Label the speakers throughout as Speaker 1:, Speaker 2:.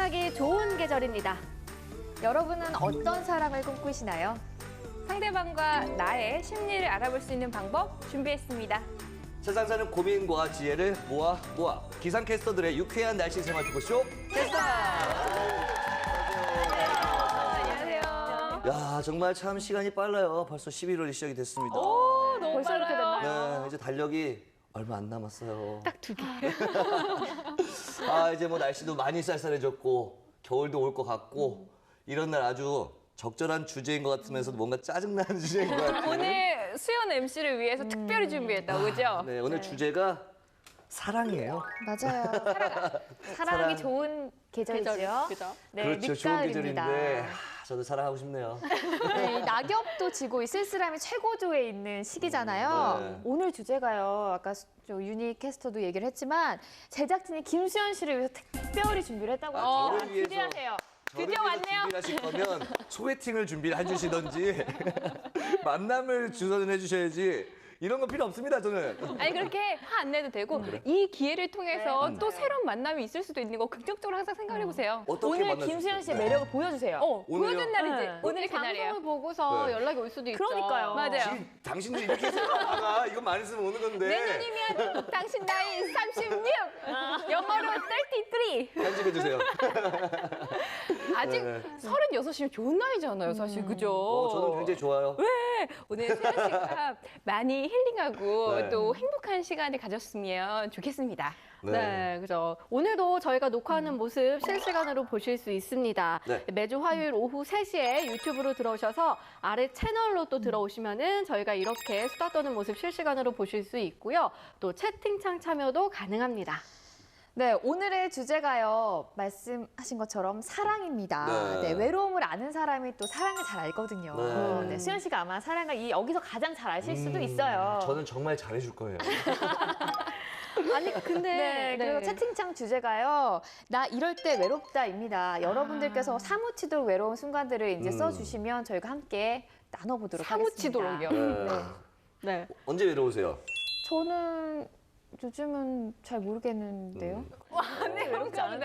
Speaker 1: 사랑하기 좋은 계절입니다. 여러분은 어떤 사랑을 꿈꾸시나요?
Speaker 2: 상대방과 나의 심리를 알아볼 수 있는 방법 준비했습니다.
Speaker 3: 세상 사는 고민과 지혜를 모아 기상캐스터들의 유쾌한 날씨 생활 토크쇼 캐스터!
Speaker 2: 안녕하세요.
Speaker 3: 야, 정말 참 시간이 빨라요. 벌써 11월이 시작이 됐습니다.
Speaker 2: 오, 너무
Speaker 1: 벌써 이렇게
Speaker 2: 빨라요.
Speaker 1: 됐나요?
Speaker 3: 네, 이제 달력이 얼마 안 남았어요.
Speaker 2: 딱 2개.
Speaker 3: 아, 이제 뭐 날씨도 많이 쌀쌀해졌고 겨울도 올 것 같고 이런 날 아주 적절한 주제인 것 같으면서도 뭔가 짜증나는 주제인 것 같아요.
Speaker 2: 오늘 수연 MC를 위해서 특별히 준비했다고, 그죠?
Speaker 3: 네, 오늘 주제가 사랑이에요.
Speaker 1: 맞아요. 사랑이
Speaker 3: 사랑.
Speaker 1: 좋은 계절이죠.
Speaker 2: 그죠?
Speaker 1: 네,
Speaker 3: 그렇죠, 좋은
Speaker 1: 늦가을입니다.
Speaker 3: 계절인데 저도 사랑하고 싶네요.
Speaker 1: 네, 이 낙엽도 지고 이 쓸쓸함이 최고조에 있는 시기잖아요.
Speaker 3: 네.
Speaker 1: 오늘 주제가요. 아까 유니 캐스터도 얘기를 했지만 제작진이 김수현 씨를 위해서 특별히 준비를 했다고 합니다.
Speaker 3: 저를 위해서.
Speaker 1: 기대하세요.
Speaker 2: 드디어 왔네요.
Speaker 3: 준비를 하실 거면 소개팅을 준비를 해주시던지 만남을 주선을 해주셔야지 이런 거 필요 없습니다, 저는.
Speaker 2: 아니 그렇게 화 안 내도 되고 이 기회를 통해서 또 새로운 만남이 있을 수도 있는 거 긍정적으로 항상 생각해 보세요.
Speaker 3: 어떻게
Speaker 1: 오늘
Speaker 3: 만날 수
Speaker 1: 김수현 씨의
Speaker 3: 있어요?
Speaker 1: 매력을 보여주세요.
Speaker 3: 오늘요?
Speaker 2: 보여준 날이지.
Speaker 1: 네.
Speaker 2: 오늘이 그날이에요.
Speaker 4: 방송을 보고서
Speaker 3: 네.
Speaker 4: 연락이 올 수도 있죠.
Speaker 1: 그러니까요.
Speaker 2: 맞아요.
Speaker 3: 지금 당신들 이렇게 생각하다가 이거 많이 쓰면 오는 건데
Speaker 2: 내년이면 당신 나이 36! 영어로 33!
Speaker 3: 편집해주세요.
Speaker 2: 아직
Speaker 3: 네.
Speaker 2: 36이면 좋은 나이잖아요, 사실. 그죠?
Speaker 3: 저는 굉장히 좋아요.
Speaker 2: 오늘 수연 씨가 많이 힐링하고
Speaker 3: 네.
Speaker 2: 또 행복한 시간을 가졌으면 좋겠습니다.
Speaker 4: 네, 그죠. 오늘도 저희가 녹화하는 모습 실시간으로 보실 수 있습니다.
Speaker 3: 네.
Speaker 4: 매주 화요일 오후 3시에 유튜브로 들어오셔서 아래 채널로 또 들어오시면은 저희가 이렇게 수다 떠는 모습 실시간으로 보실 수 있고요. 또 채팅창 참여도 가능합니다.
Speaker 1: 네, 오늘의 주제가요. 말씀하신 것처럼 사랑입니다.
Speaker 3: 네.
Speaker 1: 네, 외로움을 아는 사람이 또 사랑을 잘 알거든요.
Speaker 3: 네.
Speaker 1: 네, 수현 씨가 아마 사랑을 여기서 가장 잘 아실 수도 있어요.
Speaker 3: 저는 정말 잘해줄 거예요.
Speaker 4: 아니, 근데.
Speaker 1: 네, 그리고 채팅창 주제가요. 나 이럴 때 외롭다입니다. 여러분들께서 사무치도록 외로운 순간들을 이제 써주시면 저희가 함께 나눠보도록
Speaker 2: 사무치도록이요.
Speaker 1: 하겠습니다.
Speaker 3: 네.
Speaker 4: 네.
Speaker 3: 언제 외로우세요?
Speaker 1: 저는 요즘은 잘 모르겠는데요.
Speaker 2: 네, 외롭지 않은데.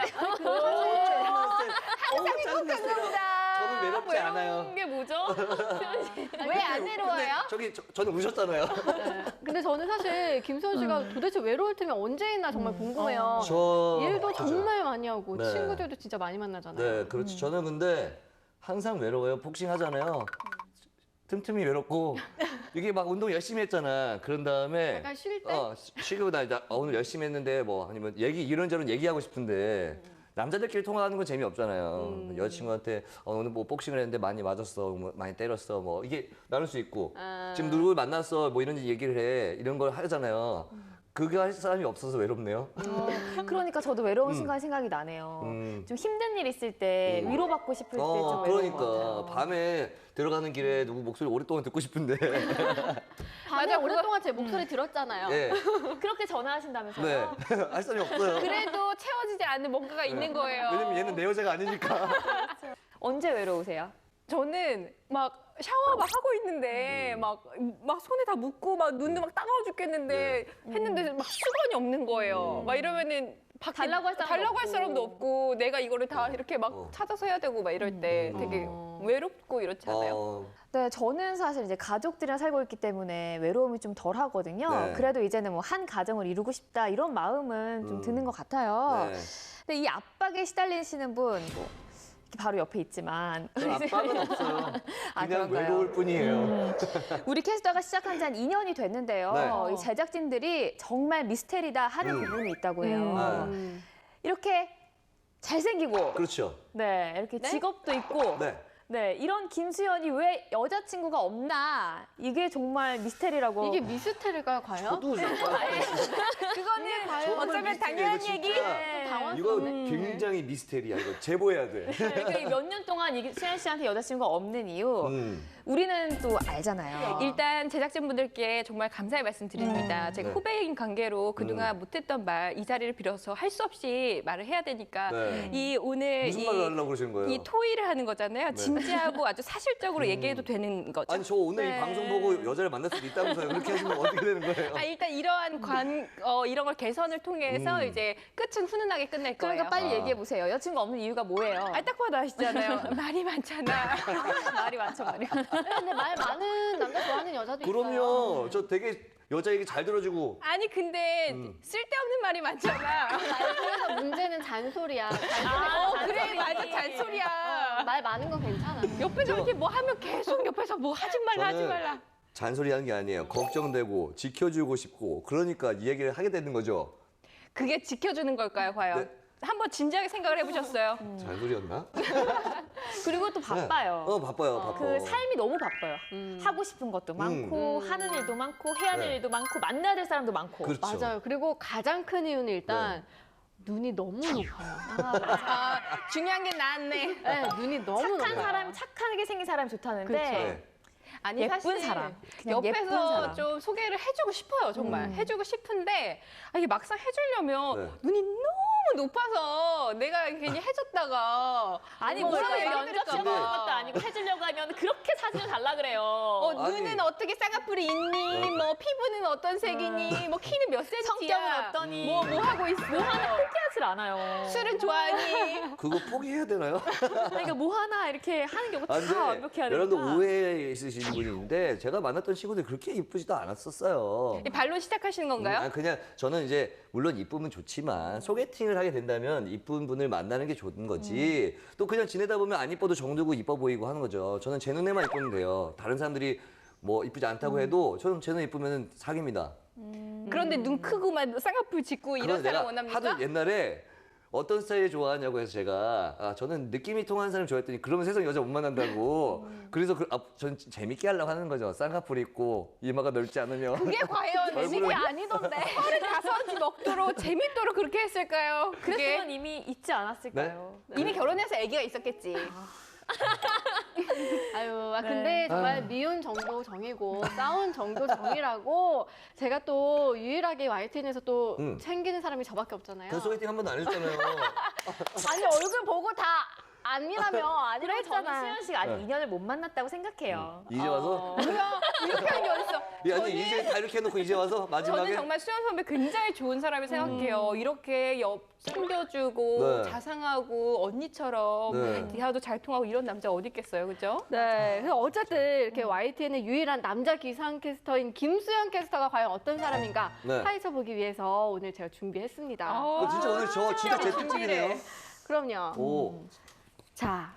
Speaker 3: 항상 행복합니다. 저는 외롭지 않아요.
Speaker 2: 외로운 게 뭐죠?
Speaker 4: 왜 안 외로워요?
Speaker 3: 저는 우셨잖아요.
Speaker 4: 근데 저는 사실 김수현 씨가 도대체 외로울 틈이 언제 있나 정말 궁금해요. 일도
Speaker 3: 맞아요.
Speaker 4: 정말 많이 하고
Speaker 3: 네.
Speaker 4: 친구들도 진짜 많이 만나잖아요.
Speaker 3: 네, 그렇죠. 저는 근데 항상 외로워요. 복싱 하잖아요. 틈틈이 외롭고 이게 막 운동 열심히 했잖아. 그런 다음에
Speaker 4: 약간 쉴 때?
Speaker 3: 쉬고 나 오늘 열심히 했는데 뭐 아니면 이런저런 얘기하고 싶은데 남자들끼리 통화하는 건 재미없잖아요. 여자친구한테 오늘 뭐 복싱을 했는데 많이 맞았어, 뭐 많이 때렸어, 뭐 이게 나눌 수 있고 지금 누구 만났어, 뭐 이런 얘기를 해 이런 걸 하잖아요. 그거 할 사람이 없어서 외롭네요.
Speaker 1: 그러니까 저도 외로운 순간 생각이 나네요. 좀 힘든 일 있을 때 위로받고 싶을 때 좀 외로운 것
Speaker 3: 그러니까
Speaker 1: 같아요.
Speaker 3: 밤에 들어가는 길에 누구 목소리 오랫동안 듣고 싶은데.
Speaker 4: 밤에
Speaker 2: 맞아,
Speaker 4: 오랫동안 제 목소리 들었잖아요.
Speaker 3: 네,
Speaker 1: 그렇게 전화하신다면서요?
Speaker 3: 네, 할 사람이 없어요.
Speaker 2: 그래도 채워지지 않는 뭔가가 있는 거예요.
Speaker 3: 왜냐면 얘는 내 여자가 아니니까.
Speaker 1: 언제 외로우세요?
Speaker 2: 저는 막 샤워 막 하고 있는데 막 손에 다 묻고 막 눈도 막 따가워 죽겠는데 했는데 막 수건이 없는 거예요. 막 이러면은 밖에
Speaker 1: 달라고 할 사람도
Speaker 2: 달라고 할
Speaker 1: 없고.
Speaker 2: 사람도 없고 내가 이거를 다 이렇게 막 찾아서 해야 되고 막 이럴 때 되게 외롭고 이렇지 않아요?
Speaker 1: 네, 저는 사실 이제 가족들이랑 살고 있기 때문에 외로움이 좀 덜 하거든요.
Speaker 3: 네.
Speaker 1: 그래도 이제는 뭐 한 가정을 이루고 싶다 이런 마음은 좀 드는 것 같아요.
Speaker 3: 네.
Speaker 1: 근데 이 압박에 시달리시는 분, 뭐 이렇게 바로 옆에 있지만
Speaker 3: 압박은 없어요.
Speaker 1: 아,
Speaker 3: 그냥
Speaker 1: 그런가요?
Speaker 3: 외로울 뿐이에요.
Speaker 1: 우리 캐스터가 시작한 지 한 2년이 됐는데요.
Speaker 3: 네.
Speaker 1: 이 제작진들이 정말 미스테리다 하는 부분이 있다고 해요. 이렇게 잘생기고,
Speaker 3: 그렇죠.
Speaker 1: 네, 이렇게 직업도 있고,
Speaker 3: 네.
Speaker 1: 네, 이런 김수현이 왜 여자친구가 없나? 이게 정말 미스테리라고.
Speaker 4: 이게 미스테리가 과연?
Speaker 3: 저도
Speaker 2: 그거는
Speaker 3: 정말
Speaker 2: 어쩌면
Speaker 3: 미스테리예요,
Speaker 2: 당연한
Speaker 3: 진짜.
Speaker 2: 얘기.
Speaker 3: 이거 굉장히 미스테리야. 이거 제보해야 돼.
Speaker 1: 몇 년 동안 수현 씨한테 여자친구가 없는 이유. 우리는 또 알잖아요.
Speaker 2: 일단 제작진분들께 정말 감사의 말씀 드립니다. 제가
Speaker 3: 네.
Speaker 2: 후배인 관계로 그동안 못했던 말 이 자리를 빌어서 할 수 없이 말을 해야 되니까
Speaker 3: 네.
Speaker 2: 이 오늘
Speaker 3: 무슨 말을 하려고 그러시는 거예요?
Speaker 2: 이 토의를 하는 거잖아요. 진지하고 아주 사실적으로 얘기해도 되는 거죠.
Speaker 3: 아니 저 오늘
Speaker 2: 네.
Speaker 3: 이 방송 보고 여자를 만날 수도 있다면서요. 그렇게 하시면 어떻게 되는 거예요?
Speaker 2: 일단 이러한 이런 걸 개선을 통해서 이제 끝은 훈훈하게 끝낼 거예요.
Speaker 1: 그러니까 빨리
Speaker 3: 아.
Speaker 1: 얘기해 보세요. 여친구 없는 이유가 뭐예요?
Speaker 2: 딱 봐도 아시잖아요. 말이 많잖아.
Speaker 1: 말이 많죠, 말이.
Speaker 4: 근데 말 많은 남자 좋아하는 여자도 있어요.
Speaker 3: 그럼요. 저 되게 여자 얘기 잘 들어주고.
Speaker 2: 아니 근데 쓸데없는 말이 많잖아.
Speaker 4: 그래서 문제는 잔소리야.
Speaker 2: 그래 맞아 잔소리야.
Speaker 4: 말 많은 건 괜찮아.
Speaker 2: 옆에서 이렇게 뭐 하면 계속 옆에서 뭐 하지 말라 하지
Speaker 3: 저는
Speaker 2: 말라.
Speaker 3: 잔소리 하는 게 아니에요. 걱정되고 지켜주고 싶고 그러니까 이 얘기를 하게 되는 거죠.
Speaker 2: 그게 지켜주는 걸까요 과연?
Speaker 3: 네.
Speaker 2: 한번 진지하게 생각을 해보셨어요?
Speaker 3: 잔소리였나?
Speaker 1: 그리고 또 바빠요.
Speaker 3: 바빠요. 바빠.
Speaker 1: 그 삶이 너무 바빠요. 하고 싶은 것도 많고 하는 일도 많고 해야 될
Speaker 3: 네.
Speaker 1: 일도 많고 만나야 될 사람도 많고.
Speaker 3: 그렇죠.
Speaker 4: 맞아요. 그리고 가장 큰 이유는 일단 눈이 너무 높아요.
Speaker 2: 중요한 게 나았네.
Speaker 4: 네, 눈이 너무
Speaker 1: 착한
Speaker 4: 높아요.
Speaker 1: 사람이 착하게 생긴 사람이 좋다는데
Speaker 4: 그렇죠.
Speaker 3: 네.
Speaker 2: 아니
Speaker 1: 예쁜
Speaker 2: 사실
Speaker 1: 사람, 그냥 예쁜
Speaker 2: 옆에서
Speaker 1: 사람.
Speaker 2: 좀 소개를 해주고 싶어요 정말 해주고 싶은데 이게 막상 해주려면
Speaker 3: 네.
Speaker 2: 눈이 너무 높아서 내가 괜히 해줬다가
Speaker 1: 아니
Speaker 2: 뭐
Speaker 1: 뭐라고
Speaker 2: 뭐라고
Speaker 1: 면접
Speaker 2: 연락할까
Speaker 1: 시험
Speaker 2: 봐.
Speaker 1: 보는 것도 아니고 해주려고 하면 그렇게 사진을 달라 그래요.
Speaker 3: 아니.
Speaker 2: 눈은 어떻게 쌍꺼풀이 있니? 뭐 피부는 어떤 색이니? 뭐 키는 몇 센치야?
Speaker 1: 성격은 어떠니?
Speaker 2: 뭐 하고 있어?
Speaker 1: 포기하질 않아요.
Speaker 2: 술은 좋아하니?
Speaker 3: 그거 포기해야 되나요?
Speaker 1: 그러니까 뭐 하나 이렇게 하는 게
Speaker 3: 아,
Speaker 1: 다 완벽해야 되니까.
Speaker 3: 여러분들 오해 있으신 분이 있는데 제가 만났던 친구들 그렇게 이쁘지도 않았었어요.
Speaker 2: 이 발로 시작하시는 건가요?
Speaker 3: 아니, 그냥 저는 이제 물론 이쁘면 좋지만 소개팅을 하게 된다면 이쁜 분을 만나는 게 좋은 거지. 또 그냥 지내다 보면 안 이뻐도 정들고 이뻐 보이고 하는 거죠. 저는 제 눈에만 이쁘면 돼요. 다른 사람들이 뭐 이쁘지 않다고 해도 저는 제 눈 이쁘면 사깁니다.
Speaker 2: 그런데 눈 크고만 쌍꺼풀 짙고 이런
Speaker 3: 그건
Speaker 2: 사람
Speaker 3: 내가
Speaker 2: 원합니까?
Speaker 3: 하도 옛날에 어떤 스타일 좋아하냐고 해서 제가 저는 느낌이 통하는 사람 좋아했더니 그러면 세상 여자 못 만난다고. 그래서 전 재밌게 하려고 하는 거죠. 쌍꺼풀 있고 이마가 넓지 않으면.
Speaker 2: 그게 과연
Speaker 3: 얼굴은-
Speaker 2: 재밌게 아니던데. 35지 먹도록 재밌도록 그렇게 했을까요? 그게
Speaker 1: 그랬으면 이미 있지 않았을까요?
Speaker 2: 이미 결혼해서 아기가 있었겠지.
Speaker 4: 아유, 근데 정말 미운 정도 정이고 싸운 정도 정이라고 제가 또 유일하게 YTN에서 또 챙기는 사람이 저밖에 없잖아요.
Speaker 3: 그 소개팅 한 번도 안 해줬잖아요.
Speaker 4: 아니 얼굴 보고 다 아니라며 아니라
Speaker 1: 그리고 저는
Speaker 4: 했잖아.
Speaker 1: 수현 씨가 아직
Speaker 3: 네.
Speaker 1: 인연을 못 만났다고 생각해요.
Speaker 3: 이제 와서?
Speaker 2: 뭐야 이렇게 하는 게 어딨어.
Speaker 3: 아니 이제 다 이렇게 해놓고 이제 와서 마지막에.
Speaker 2: 저는 정말 수현 선배 굉장히 좋은 사람이 생각해요. 이렇게 챙겨주고
Speaker 3: 네.
Speaker 2: 자상하고 언니처럼
Speaker 3: 네.
Speaker 2: 대화도 잘 통하고 이런 남자 어디 있겠어요, 그죠?
Speaker 4: 네, 그래서 어쨌든 이렇게 YTN의 유일한 남자 기상캐스터인 김수현 캐스터가 과연 어떤 사람인가
Speaker 3: 네.
Speaker 4: 파헤쳐 보기 위해서 오늘 제가 준비했습니다.
Speaker 3: 진짜 오늘 저 진짜 제 특집이네요.
Speaker 4: 그럼요.
Speaker 3: 오.
Speaker 4: 자,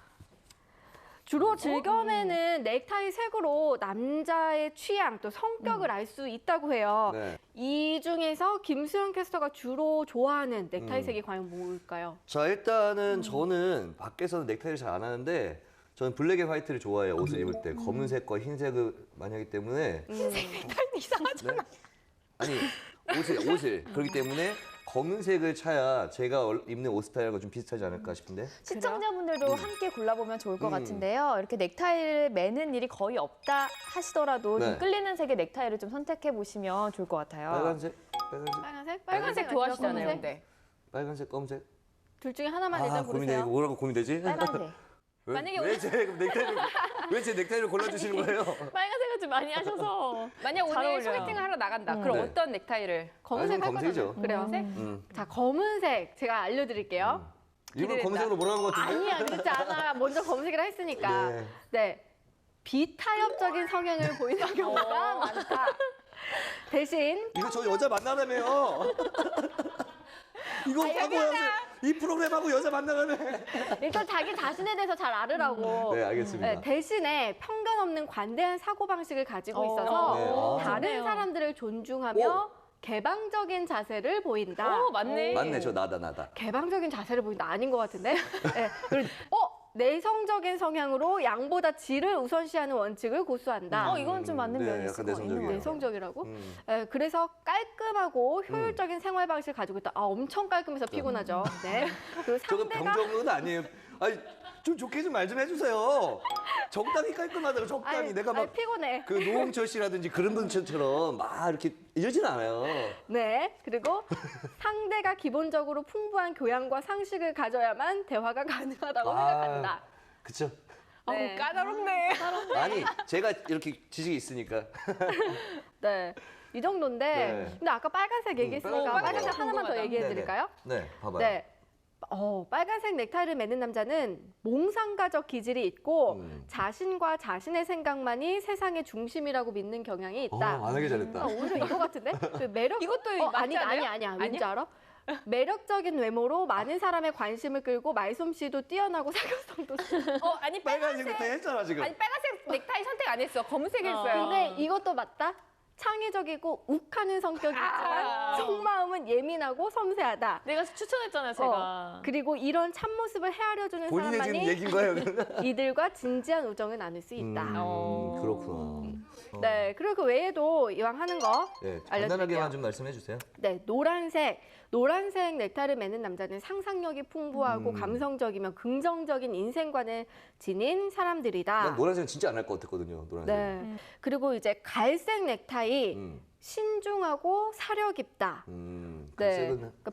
Speaker 4: 주로 즐겨내는 넥타이 색으로 남자의 취향 또 성격을 알 수 있다고 해요.
Speaker 3: 네.
Speaker 4: 이 중에서 김수현 캐스터가 주로 좋아하는 넥타이 색이 과연 뭘까요?
Speaker 3: 자 일단은 저는 밖에서는 넥타이를 잘 안 하는데 저는 블랙 앤 화이트를 좋아해요. 옷을 입을 때 검은색과 흰색을 많이 하기 때문에.
Speaker 2: 이상하잖아.
Speaker 3: 네? 아니 옷을 그렇기 때문에 검은색을 차야 제가 입는 옷 스타일과 좀 비슷하지 않을까 싶은데.
Speaker 1: 시청자분들도 함께 골라보면 좋을 것 같은데요. 이렇게 넥타이를 매는 일이 거의 없다 하시더라도
Speaker 3: 네.
Speaker 1: 좀 끌리는 색의 넥타이를 좀 선택해 보시면 좋을 것 같아요.
Speaker 3: 빨간색,
Speaker 2: 빨간색 좋아하시잖아요,
Speaker 4: 검은색?
Speaker 2: 근데.
Speaker 3: 빨간색, 검은색.
Speaker 4: 둘 중에 하나만 일단
Speaker 3: 고민돼.
Speaker 4: 고르세요.
Speaker 3: 이거 뭐라고 고민되지?
Speaker 1: 빨간색.
Speaker 2: 만약에
Speaker 3: 왜 제 넥타이를 골라주시는 거예요?
Speaker 1: 빨간색을 좀 많이 하셔서.
Speaker 2: 만약
Speaker 1: 잘
Speaker 2: 오늘
Speaker 1: 어울려요.
Speaker 2: 소개팅을 하러 나간다. 그럼
Speaker 3: 네.
Speaker 2: 어떤 넥타이를?
Speaker 4: 검은색 할
Speaker 3: 검은색이죠.
Speaker 4: 거잖아요. 그래요.
Speaker 2: 검은색?
Speaker 4: 자, 검은색 제가 알려드릴게요.
Speaker 3: 일부러 검은색으로 몰아간 것 같은데?
Speaker 4: 아니야, 그렇지 않아. 먼저 검은색을 했으니까.
Speaker 3: 네.
Speaker 4: 네. 비타협적인 성향을 보이는 경우가 많다. 대신
Speaker 3: 이거 저 여자 만나라며요. 이거 하고 이 프로그램하고 여자 만나라며.
Speaker 4: 일단 자기 자신에 대해서 잘 알으라고.
Speaker 3: 네, 알겠습니다.
Speaker 4: 네, 대신에 편견 없는 관대한 사고방식을 가지고
Speaker 1: 네.
Speaker 4: 있어서
Speaker 3: 아,
Speaker 4: 다른
Speaker 1: 좋네요.
Speaker 4: 사람들을 존중하며 개방적인 자세를 보인다.
Speaker 2: 오, 맞네.
Speaker 3: 맞네, 저 나다.
Speaker 4: 개방적인 자세를 보인다. 아닌 것 같은데? 네. 그리고 내성적인 성향으로 양보다 질을 우선시하는 원칙을 고수한다.
Speaker 1: 이건 좀 맞는
Speaker 3: 네,
Speaker 1: 면이 있을
Speaker 3: 약간
Speaker 1: 것 같아요.
Speaker 3: 내성적이에요.
Speaker 4: 내성적이라고? 네, 그래서 깔끔하고 효율적인 생활 방식을 가지고 있다. 엄청 깔끔해서 피곤하죠. 네. 그리고
Speaker 3: 저거
Speaker 4: 상대가
Speaker 3: 병정은 아니에요. 아니 좀 좋게 좀 말 좀 해주세요. 적당히 깔끔하다고 적당히
Speaker 4: 아이,
Speaker 3: 내가
Speaker 4: 아이,
Speaker 3: 막
Speaker 4: 피곤해.
Speaker 3: 그 노홍철 씨라든지 그런 분처럼 막 이렇게 이러진 않아요.
Speaker 4: 네. 그리고 상대가 기본적으로 풍부한 교양과 상식을 가져야만 대화가 가능하다고 생각한다.
Speaker 3: 그쵸?
Speaker 4: 네.
Speaker 2: 어우, 까다롭네.
Speaker 3: 아니 제가 이렇게 지식이 있으니까.
Speaker 4: 네. 이 정도인데,
Speaker 3: 네.
Speaker 4: 근데 아까 빨간색 얘기했으니까
Speaker 3: 빨간색
Speaker 4: 빨간색
Speaker 2: 봐봐요.
Speaker 4: 하나만 더
Speaker 2: 궁금하다.
Speaker 4: 얘기해 드릴까요?
Speaker 3: 네, 봐봐요.
Speaker 4: 네. 빨간색 넥타이를 매는 남자는 몽상가적 기질이 있고 자신과 자신의 생각만이 세상의 중심이라고 믿는 경향이 있다.
Speaker 3: 안 하기 잘했다.
Speaker 4: 오히려 이거 같은데? 그 매력
Speaker 2: 이것도 맞지 않아요?
Speaker 4: 아니야. 왠지 알아? 매력적인 외모로 많은 사람의 관심을 끌고 말솜씨도 뛰어나고 사교성도
Speaker 2: 아니
Speaker 3: 빨간색
Speaker 2: 빨간색.
Speaker 3: 넥타이 했잖아 지금.
Speaker 2: 아니 빨간색 넥타이 선택 안 했어. 검은색 했어요.
Speaker 4: 근데 이것도 맞다. 창의적이고 욱하는 성격이 있지만 속마음은 예민하고 섬세하다.
Speaker 1: 내가 추천했잖아요, 제가.
Speaker 4: 그리고 이런 참모습을 헤아려주는
Speaker 3: 본인의 지금
Speaker 4: 사람만이
Speaker 3: 얘기인 거예요.
Speaker 4: 이들과 진지한 우정을 나눌 수 있다.
Speaker 3: 그렇구나.
Speaker 4: 네, 그리고 그 외에도 이왕 하는 거
Speaker 3: 네,
Speaker 4: 알려드릴게요.
Speaker 3: 간단하게만 좀 말씀해 주세요.
Speaker 4: 네, 노란색 넥타이를 매는 남자는 상상력이 풍부하고 감성적이며 긍정적인 인생관을 지닌 사람들이다.
Speaker 3: 난 노란색은 진짜 안 할 것 같았거든요. 노란색.
Speaker 4: 네. 그리고 이제 갈색 넥타이 신중하고 사려 깊다. 네. 그러니까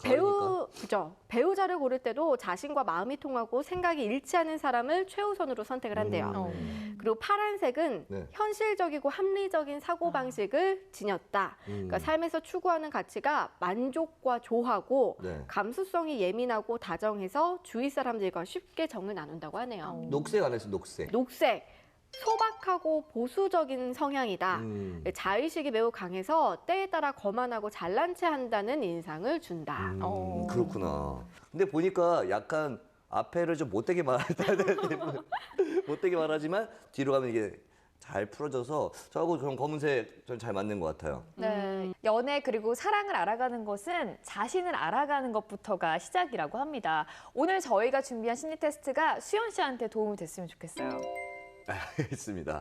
Speaker 4: 배우자를 고를 때도 자신과 마음이 통하고 생각이 일치하는 사람을 최우선으로 선택을 한대요. 그리고 파란색은
Speaker 3: 네.
Speaker 4: 현실적이고 합리적인 사고 방식을 지녔다. 그러니까 삶에서 추구하는 가치가 만족과 조하고
Speaker 3: 네.
Speaker 4: 감수성이 예민하고 다정해서 주위 사람들과 쉽게 정을 나눈다고 하네요.
Speaker 3: 녹색 안 했어, 녹색.
Speaker 4: 녹색. 소박하고 보수적인 성향이다. 자의식이 매우 강해서 때에 따라 거만하고 잘난 체 한다는 인상을 준다.
Speaker 3: 그렇구나. 근데 보니까 약간 앞에를 좀 못되게 못되게 말하지만 뒤로 가면 이게 잘 풀어져서 저하고 그런 검은색 좀 잘 맞는 것 같아요.
Speaker 1: 네. 연애 그리고 사랑을 알아가는 것은 자신을 알아가는 것부터가 시작이라고 합니다. 오늘 저희가 준비한 심리 테스트가 수연 씨한테 도움이 됐으면 좋겠어요.
Speaker 3: 알겠습니다.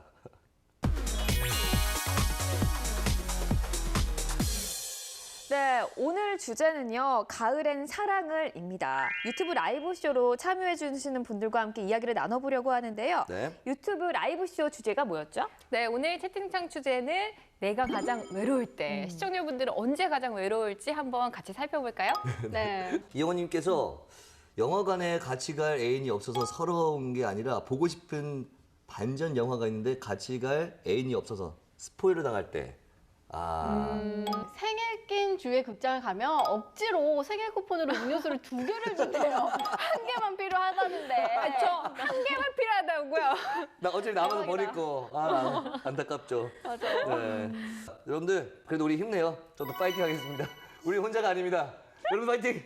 Speaker 1: 네, 오늘 주제는요. 가을엔 사랑을입니다. 유튜브 라이브 쇼로 참여해 주시는 분들과 함께 이야기를 나눠보려고 하는데요.
Speaker 3: 네.
Speaker 1: 유튜브 라이브 쇼 주제가 뭐였죠?
Speaker 2: 네, 오늘 채팅창 주제는 내가 가장 외로울 때. 시청자분들은 언제 가장 외로울지 한번 같이 살펴볼까요?
Speaker 4: 네.
Speaker 3: 이영호님께서 영화관에 같이 갈 애인이 없어서 서러운 게 아니라 보고 싶은 반전 영화가 있는데 같이 갈 애인이 없어서 스포일러 당할 때.
Speaker 4: 생일 낀 주에 극장을 가면 억지로 생일 쿠폰으로 음료수를 2개를 준대요. 한 개만 필요하다는데.
Speaker 2: 저 한 개만 필요하다고요.
Speaker 3: 나 어차피 남아서 버릴 거. 안타깝죠.
Speaker 4: 맞아요.
Speaker 3: 네. 여러분들 그래도 우리 힘내요. 저도 파이팅 하겠습니다. 우리 혼자가 아닙니다. 여러분 파이팅.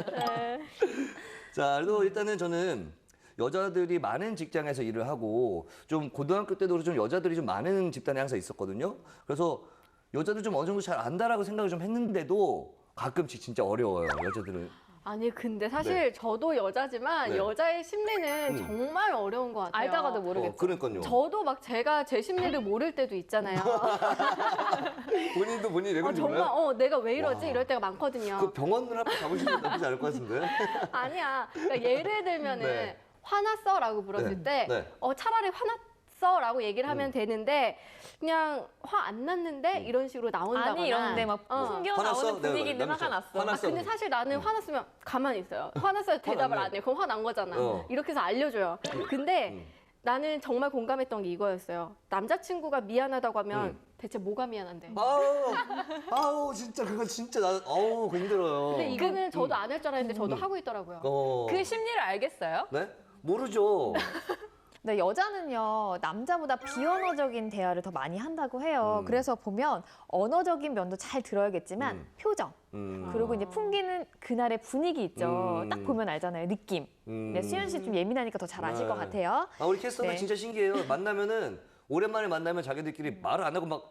Speaker 3: 자, 그래도 일단은 저는 여자들이 많은 직장에서 일을 하고 좀 고등학교 때도 좀 여자들이 좀 많은 집단에 항상 있었거든요. 그래서 여자들 좀 어느 정도 잘 안다라고 생각을 좀 했는데도 가끔씩 진짜 어려워요. 여자들은.
Speaker 4: 아니 근데 사실
Speaker 3: 네.
Speaker 4: 저도 여자지만
Speaker 3: 네.
Speaker 4: 여자의 심리는 정말 어려운 것 같아요.
Speaker 1: 알다가도 모르겠죠.
Speaker 3: 그러니까요.
Speaker 4: 저도 막 제가 제 심리를 모를 때도 있잖아요.
Speaker 3: 본인도 본인이 왜 그런지
Speaker 4: 정말
Speaker 3: 몰라요?
Speaker 4: 내가 왜 이러지?
Speaker 3: 와.
Speaker 4: 이럴 때가 많거든요.
Speaker 3: 그 병원을 한번 가보시면 나쁘지 않을 것 같은데.
Speaker 4: 아니야. 그러니까 예를 들면은
Speaker 3: 네.
Speaker 4: 화났어라고 물었을 때
Speaker 3: 네.
Speaker 4: 차라리 화났어라고 얘기를 하면 되는데 그냥 화 안 났는데 이런 식으로 나온다거나
Speaker 1: 아니 이러는데 막 풍겨
Speaker 3: 화났어?
Speaker 1: 나오는 분위기는
Speaker 3: 네,
Speaker 1: 화가 났어.
Speaker 3: 화났어.
Speaker 4: 근데 사실 나는 화났으면 가만히 있어요. 화났어요. 대답을
Speaker 3: 났네.
Speaker 4: 안 해. 그럼 화난 거잖아.
Speaker 3: 어.
Speaker 4: 이렇게 해서 알려줘요. 근데 나는 정말 공감했던 게 이거였어요. 남자친구가 미안하다고 하면 대체 뭐가 미안한데?
Speaker 3: 아우 진짜 그건 진짜 그거 힘들어요.
Speaker 4: 근데 이거는 저도 안 할 줄 알았는데 저도 하고 있더라고요.
Speaker 2: 그 심리를 알겠어요?
Speaker 3: 네? 모르죠.
Speaker 1: 네, 여자는요, 남자보다 비언어적인 대화를 더 많이 한다고 해요. 그래서 보면 언어적인 면도 잘 들어야겠지만 표정, 그리고 이제 풍기는 그날의 분위기 있죠. 딱 보면 알잖아요, 느낌. 네, 수연 씨 좀 예민하니까 더 잘 아실 것
Speaker 3: 네.
Speaker 1: 같아요.
Speaker 3: 우리 캐스터들
Speaker 1: 네.
Speaker 3: 진짜 신기해요. 만나면은 오랜만에 만나면 자기들끼리 말을 안 하고 막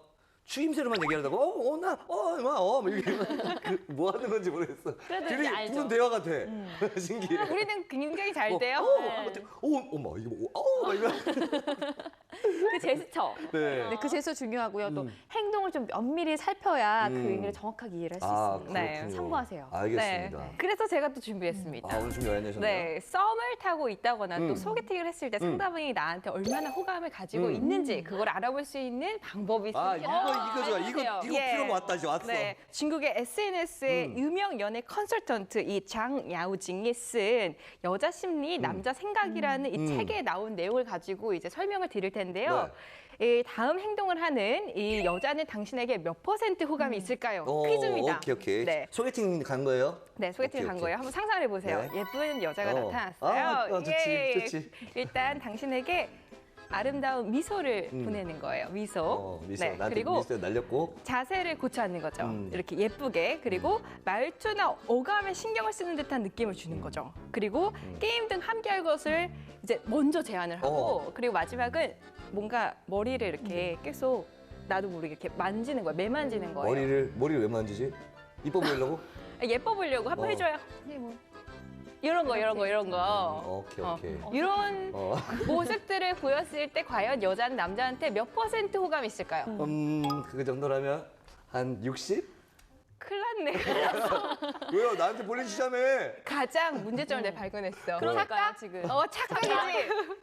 Speaker 3: 추임새로만 얘기하다가 이게 뭐 하는 건지 모르겠어.
Speaker 1: 그래도
Speaker 3: 둘이
Speaker 1: 이제 알죠.
Speaker 3: 무슨 대화 같아. 신기해.
Speaker 2: 우리는 굉장히 잘 돼요. 네.
Speaker 3: 어머 이거 막 이거.
Speaker 2: 그 제스처.
Speaker 3: 네.
Speaker 1: 네, 그 제스처 중요하고요. 또 행동을 좀 면밀히 살펴야 그 의미를 정확하게 이해를 할 수 있습니다.
Speaker 2: 네,
Speaker 3: 그렇군요.
Speaker 1: 참고하세요.
Speaker 3: 알겠습니다.
Speaker 2: 네. 그래서 제가 또 준비했습니다.
Speaker 3: 오늘 좀 여행 내셨나요?
Speaker 2: 네, 썸을 타고 있다거나 또 소개팅을 했을 때 상대방이 나한테 얼마나 호감을 가지고 있는지 그걸 알아볼 수 있는 방법이 있습니다.
Speaker 3: 이거 좋아. 이거
Speaker 2: 예.
Speaker 3: 필요가 왔다 이제 왔어.
Speaker 2: 네, 중국의 SNS의 유명 연애 컨설턴트 이 장 야오징이 쓴 여자 심리 남자 생각이라는 이 책에 나온 내용을 가지고 이제 설명을 드릴 텐데요. 이 다음 행동을 하는 이 여자는 당신에게 몇 % 호감이 있을까요? 퀴즈입니다.
Speaker 3: 오케이.
Speaker 2: 네.
Speaker 3: 소개팅 간 거예요?
Speaker 2: 네, 소개팅 간
Speaker 3: 오케이.
Speaker 2: 거예요. 한번 상상을 해보세요.
Speaker 3: 네.
Speaker 2: 예쁜 여자가 나타났어요.
Speaker 3: 좋지, 좋지.
Speaker 2: 일단 당신에게 아름다운 미소를 보내는 거예요. 미소.
Speaker 3: 미소.
Speaker 2: 네,
Speaker 3: 나한테
Speaker 2: 그리고
Speaker 3: 미소 날렸고.
Speaker 2: 자세를 고쳐 앉는 거죠. 이렇게 예쁘게. 그리고 말투나 어감에 신경을 쓰는 듯한 느낌을 주는 거죠. 그리고 게임 등 함께할 것을 이제 먼저 제안을 하고 그리고 마지막은 뭔가 머리를 이렇게 계속 나도 모르게 이렇게 만지는 거예요. 매만지는 거예요.
Speaker 3: 머리를 왜 만지지? 이뻐 보이려고?
Speaker 2: 예뻐 보려고 한번 해줘요.
Speaker 1: 네, 뭐.
Speaker 2: 이런 거.
Speaker 3: 오케이.
Speaker 2: 이런 모습들을 보였을 때 과연 여자는 남자한테 몇 % 호감이 있을까요?
Speaker 3: 그 정도라면 한 60?
Speaker 2: 큰일 났네.
Speaker 3: 왜요? 나한테 볼링 치자며.
Speaker 2: 가장 문제점을 내가 발견했어.
Speaker 1: 그러니까요, 지금.
Speaker 2: 착각이지.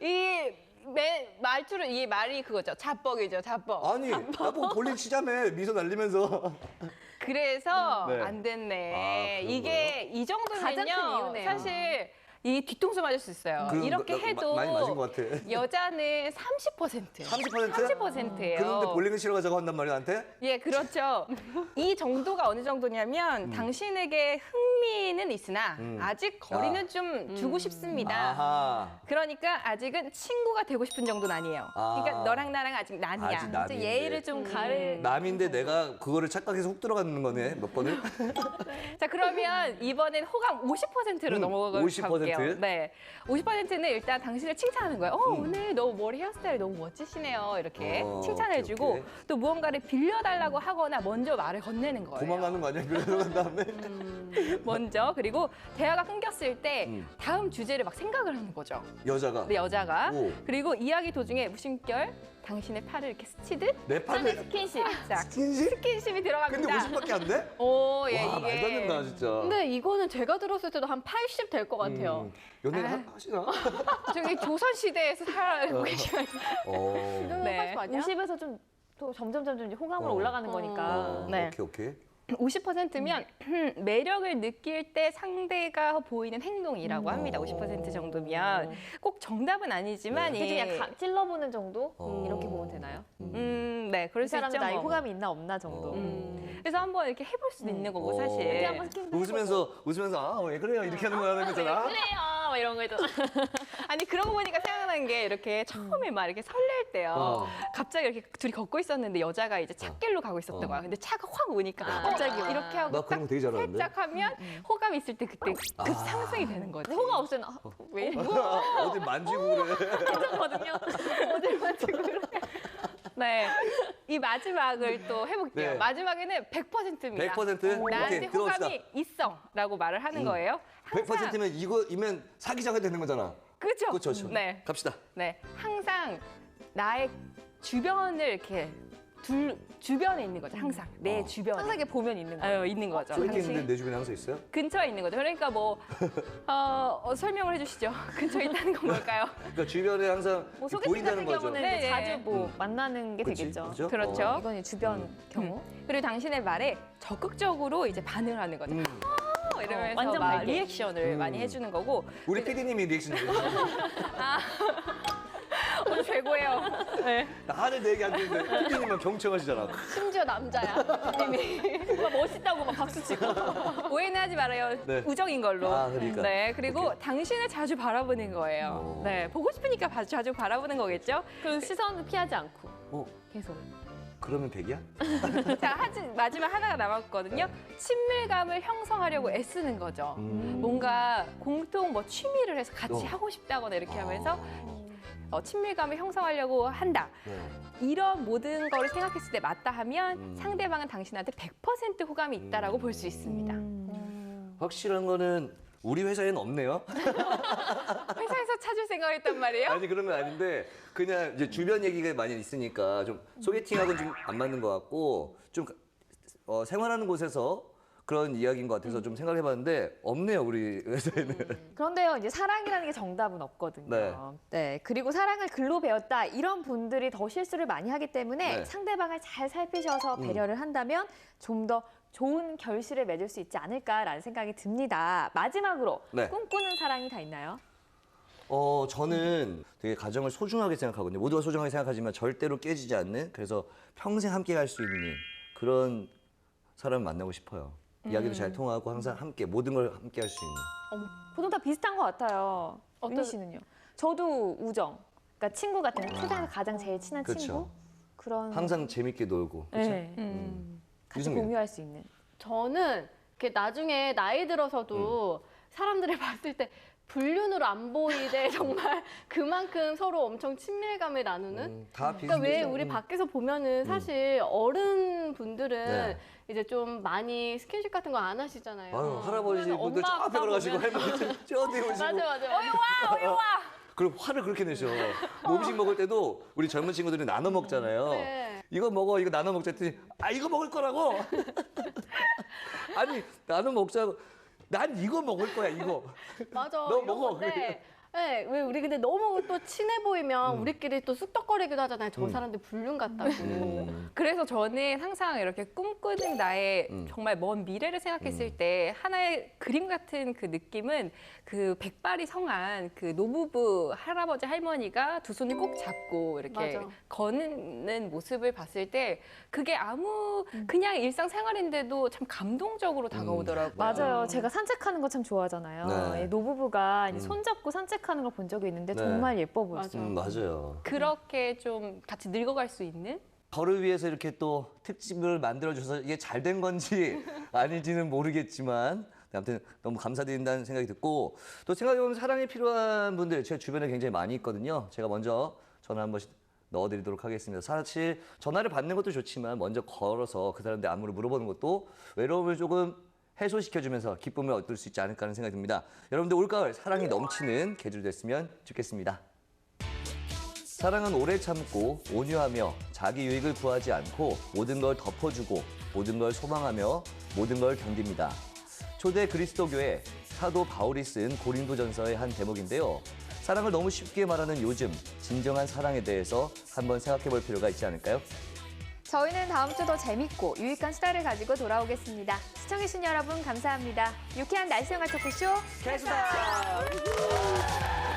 Speaker 2: 이 말이 그거죠. 자뻑이죠, 자뻑.
Speaker 3: 아니, 나보고 볼링 치자며. 미소 날리면서.
Speaker 2: 그래서
Speaker 3: 네.
Speaker 2: 안 됐네.
Speaker 3: 그런
Speaker 2: 이게 이
Speaker 1: 가장 큰
Speaker 2: 정도면요.
Speaker 1: 이유네요.
Speaker 2: 사실 이 뒤통수 맞을 수 있어요. 이렇게 해도
Speaker 3: 많이 맞은 것 같아.
Speaker 2: 여자는 30%.
Speaker 3: 30%?
Speaker 2: 30%예요.
Speaker 3: 그런데 볼링을 치러 가자고 한단 말이야, 나한테?
Speaker 2: 예, 그렇죠. 이 정도가 어느 정도냐면 당신에게 흥미는 있으나 아직 거리는 좀 두고 싶습니다.
Speaker 3: 아하.
Speaker 2: 그러니까 아직은 친구가 되고 싶은 정도는 아니에요. 그러니까 너랑 나랑 아직 남이야.
Speaker 3: 아직 남인데.
Speaker 1: 이제 예의를 좀 가릴.
Speaker 3: 남인데 내가 그거를 착각해서 훅 들어가는 거네, 몇 번을?
Speaker 2: 자, 그러면 이번엔 호감 50%로 넘어가
Speaker 3: 50%?
Speaker 2: 볼게요. 네. 50%는 일단 당신을 칭찬하는 거예요. 오늘 너무 머리 헤어스타일이 너무 멋지시네요. 이렇게 칭찬해주고
Speaker 3: 오케이.
Speaker 2: 또 무언가를 빌려달라고 하거나 먼저 말을 건네는 거예요.
Speaker 3: 도망가는 거 아니야? 그러고 다음에?
Speaker 2: 먼저. 그리고 대화가 끊겼을 때 다음 주제를 막 생각을 하는 거죠.
Speaker 3: 여자가.
Speaker 2: 네, 여자가.
Speaker 3: 오.
Speaker 2: 그리고 이야기 도중에 무심결 당신의 팔을 이렇게 스치듯
Speaker 3: 내 팔에
Speaker 2: 스킨십. 자,
Speaker 3: 스킨십?
Speaker 2: 스킨십이 들어갑니다.
Speaker 3: 근데 50밖에 안 돼?
Speaker 2: 오, 예,
Speaker 3: 와,
Speaker 2: 이게.
Speaker 3: 말도 안 된다, 진짜.
Speaker 4: 근데 이거는 제가 들었을 때도 한 80 될 것 같아요.
Speaker 3: 연애 하시나?
Speaker 2: 저기 조선시대에서 살아고 계시면. 네.
Speaker 4: 80 아니야?
Speaker 1: 50에서 좀 또 점점 이제 호감으로 올라가는 거니까.
Speaker 2: 네.
Speaker 3: 오케이.
Speaker 2: 50%면 매력을 느낄 때 상대가 보이는 행동이라고 합니다. 50% 정도면 꼭 정답은 아니지만
Speaker 1: 그중
Speaker 2: 예.
Speaker 1: 그냥 찔러보는 정도 이렇게 보면 되나요?
Speaker 2: 네, 그럴
Speaker 1: 이
Speaker 2: 수
Speaker 1: 사람이
Speaker 2: 있죠.
Speaker 1: 나의
Speaker 2: 뭐.
Speaker 1: 호감이 있나 없나 정도.
Speaker 2: 그래서 한번 이렇게 해볼 수도 있는 거고
Speaker 1: 어디
Speaker 2: 사실.
Speaker 1: 한번 스킨
Speaker 3: 웃으면서 아, 왜 그래요? 이렇게 하는 거라는 거잖아.
Speaker 1: 그래요, 막 이런 거 있잖아.
Speaker 2: 아니 그런 거 보니까 생각나는 게 이렇게 처음에 막 이렇게 설렐 때요. 갑자기 이렇게 둘이 걷고 있었는데 여자가 이제 찻길로 가고 있었던 거야. 근데 차가 확 오니까 갑자기 이렇게 하고
Speaker 3: 나 그런 거 되게 잘하는데.
Speaker 2: 살짝 하면 호감이 있을 때 그때 급 상승이 되는 거지.
Speaker 1: 호감 없으면 왜 이래?
Speaker 3: 어디 만지고 그래.
Speaker 1: 괜찮거든요.
Speaker 2: 어딜 만지고 그래. 네. 이 마지막을 또 해볼게요.
Speaker 3: 네.
Speaker 2: 마지막에는 100%입니다.
Speaker 3: 100%?
Speaker 2: 나한테
Speaker 3: 오케이, 들어봅시다.
Speaker 2: 호감이 있어. 라고 말을 하는 거예요. 항상
Speaker 3: 100%면 이거이면 사귀자가 되는 거잖아.
Speaker 2: 그죠?
Speaker 3: 그렇죠.
Speaker 2: 네.
Speaker 3: 갑시다.
Speaker 2: 네. 항상 나의 주변을 이렇게 주변에 있는 거죠. 항상. 내 주변에.
Speaker 1: 항상 이렇게 보면 있는 거예요.
Speaker 2: 있는 거죠.
Speaker 3: 소개팅
Speaker 2: 당신
Speaker 3: 있는데 내 주변에 항상 있어요?
Speaker 2: 근처에 있는 거죠. 그러니까 뭐 설명을 해주시죠. 근처에 있다는 건 뭘까요?
Speaker 3: 그러니까 주변에 항상
Speaker 1: 뭐 소개팅
Speaker 3: 보인다는
Speaker 1: 같은
Speaker 3: 거죠.
Speaker 1: 경우는
Speaker 2: 네,
Speaker 1: 이제
Speaker 2: 네.
Speaker 1: 자주 뭐 만나는 게
Speaker 3: 그치,
Speaker 1: 되겠죠.
Speaker 3: 그죠?
Speaker 2: 그렇죠.
Speaker 1: 이건 이제 주변 경우.
Speaker 2: 그리고 당신의 말에 적극적으로 이제 반응을 하는 거죠. 이러면서
Speaker 1: 완전
Speaker 2: 막
Speaker 1: 밝게.
Speaker 2: 리액션을 많이 해주는 거고.
Speaker 3: 우리 PD님이 리액션 해주세요.
Speaker 2: 오늘 최고예요. 네.
Speaker 3: 나는 내 얘기 안 듣는데 PD님은 경청하시잖아.
Speaker 4: 심지어 남자야.
Speaker 1: 막 멋있다고 막 박수 치고.
Speaker 2: 오해는 하지 말아요.
Speaker 3: 네.
Speaker 2: 우정인 걸로.
Speaker 3: 아, 그러니까.
Speaker 2: 네, 그리고 당신을 자주 바라보는 거예요.
Speaker 3: 오.
Speaker 2: 네, 보고 싶으니까 자주 바라보는 거겠죠.
Speaker 1: 그 시선을 피하지 않고
Speaker 3: 어,
Speaker 1: 계속.
Speaker 3: 그러면 100이야?
Speaker 2: 자, 마지막 하나가 남았거든요. 친밀감을 형성하려고 애쓰는 거죠. 뭔가 공통 뭐 취미를 해서 같이 하고 싶다거나 이렇게 하면서 친밀감을 형성하려고 한다. 이런 모든 거를 생각했을 때 맞다 하면 상대방은 당신한테 100% 호감이 있다라고 볼 수 있습니다.
Speaker 3: 확실한 거는 우리 회사에는 없네요.
Speaker 2: 회사에서 찾을 생각을 했단 말이에요?
Speaker 3: 아니 그런 건 아닌데 그냥 이제 주변 얘기가 많이 있으니까 좀 소개팅하고는 좀 안 맞는 것 같고 좀 생활하는 곳에서 그런 이야기인 것 같아서 좀 생각해봤는데 없네요 우리 회사에는.
Speaker 1: 그런데요, 이제 사랑이라는 게 정답은 없거든요.
Speaker 3: 네.
Speaker 1: 네, 그리고 사랑을 글로 배웠다 이런 분들이 더 실수를 많이 하기 때문에
Speaker 3: 네.
Speaker 1: 상대방을 잘 살피셔서 배려를 한다면 좀 더 좋은 결실을 맺을 수 있지 않을까라는 생각이 듭니다. 마지막으로
Speaker 3: 네.
Speaker 1: 꿈꾸는 사랑이 다 있나요?
Speaker 3: 저는 되게 가정을 소중하게 생각하거든요. 모두가 소중하게 생각하지만 절대로 깨지지 않는, 그래서 평생 함께 갈 수 있는 그런 사람을 만나고 싶어요. 이야기도 잘 통하고 항상 함께 모든 걸 함께 할 수 있는.
Speaker 1: 보통 다 비슷한 것 같아요.
Speaker 4: 어떤-
Speaker 1: 윤희 씨는요? 저도 우정. 그러니까 친구 같은 세상에서 가장 제일 친한
Speaker 3: 그쵸.
Speaker 1: 친구. 그런.
Speaker 3: 항상 재밌게 놀고. 그렇죠?
Speaker 1: 네. 같이
Speaker 3: 유승민.
Speaker 1: 공유할 수 있는.
Speaker 4: 저는 이렇게 나중에 나이 들어서도 사람들을 봤을 때 불륜으로 안 보이되 정말 그만큼 서로 엄청 친밀감을 나누는.
Speaker 3: 다
Speaker 4: 그러니까 왜
Speaker 3: 비슷해요.
Speaker 4: 우리 밖에서 보면은 사실 어른 분들은
Speaker 3: 네.
Speaker 4: 이제 좀 많이 스킨십 같은 거 안 하시잖아요.
Speaker 3: 아유, 할아버지 분들 저
Speaker 2: 엄마,
Speaker 3: 앞에
Speaker 2: 아빠
Speaker 3: 걸어가시고
Speaker 2: 보면-
Speaker 3: 할머니 저 뒤에 오시고.
Speaker 4: 맞아.
Speaker 3: 그리고 화를 그렇게 내셔. 뭐 음식 먹을 때도 우리 젊은 친구들이 나눠 먹잖아요.
Speaker 4: 네.
Speaker 3: 이거 먹어, 이거 나눠 먹자 했더니 이거 먹을 거라고. 아니 나눠 먹자고. 난 이거 먹을 거야 이거.
Speaker 4: 맞아.
Speaker 3: 너
Speaker 4: 이런
Speaker 3: 먹어.
Speaker 4: 건데, 네, 왜 우리 근데 너무 또 친해 보이면
Speaker 3: 음.
Speaker 4: 우리끼리 또 쑥덕거리기도 하잖아요. 저 사람들 불륜 같다고.
Speaker 2: 그래서 저는 항상 이렇게 꿈꾸는 나의
Speaker 3: 음.
Speaker 2: 정말 먼 미래를 생각했을 때 하나의 그림 같은 그 느낌은 그 백발이 성한 그 노부부 할아버지 할머니가 두 손을 꼭 잡고 이렇게
Speaker 4: 맞아.
Speaker 2: 거는 모습을 봤을 때 그게 아무 그냥 일상생활인데도 참 감동적으로 다가오더라고요.
Speaker 1: 맞아요. 제가 산책하는 거 참 좋아하잖아요.
Speaker 3: 네.
Speaker 1: 예, 노부부가 이제 손잡고 산책하는 걸 본 적이 있는데
Speaker 3: 네.
Speaker 1: 정말 예뻐 보였어요.
Speaker 3: 맞아요.
Speaker 2: 그렇게 좀 같이 늙어갈 수 있는
Speaker 3: 저를 위해서 이렇게 또 특집을 만들어줘서 이게 잘 된 건지 아닌지는 모르겠지만 아무튼 너무 감사드린다는 생각이 듣고, 또 생각해보면 사랑이 필요한 분들 제 주변에 굉장히 많이 있거든요. 제가 먼저 전화 한 번씩 넣어드리도록 하겠습니다. 사실 전화를 받는 것도 좋지만 먼저 걸어서 그 사람들 안부를 물어보는 것도 외로움을 조금 해소시켜주면서 기쁨을 얻을 수 있지 않을까 하는 생각이 듭니다. 여러분들 올가을 사랑이 넘치는 계절 됐으면 좋겠습니다. 사랑은 오래 참고 온유하며 자기 유익을 구하지 않고 모든 걸 덮어주고 모든 걸 소망하며 모든 걸 견딥니다. 초대 그리스도교의 사도 바울이 쓴 고린도전서의 한 대목인데요. 사랑을 너무 쉽게 말하는 요즘 진정한 사랑에 대해서 한번 생각해 볼 필요가 있지 않을까요?
Speaker 1: 저희는 다음 주 더 재밌고 유익한 수다를 가지고 돌아오겠습니다. 시청해주신 여러분 감사합니다. 유쾌한 날씨생활 토크쇼
Speaker 3: 캐스터!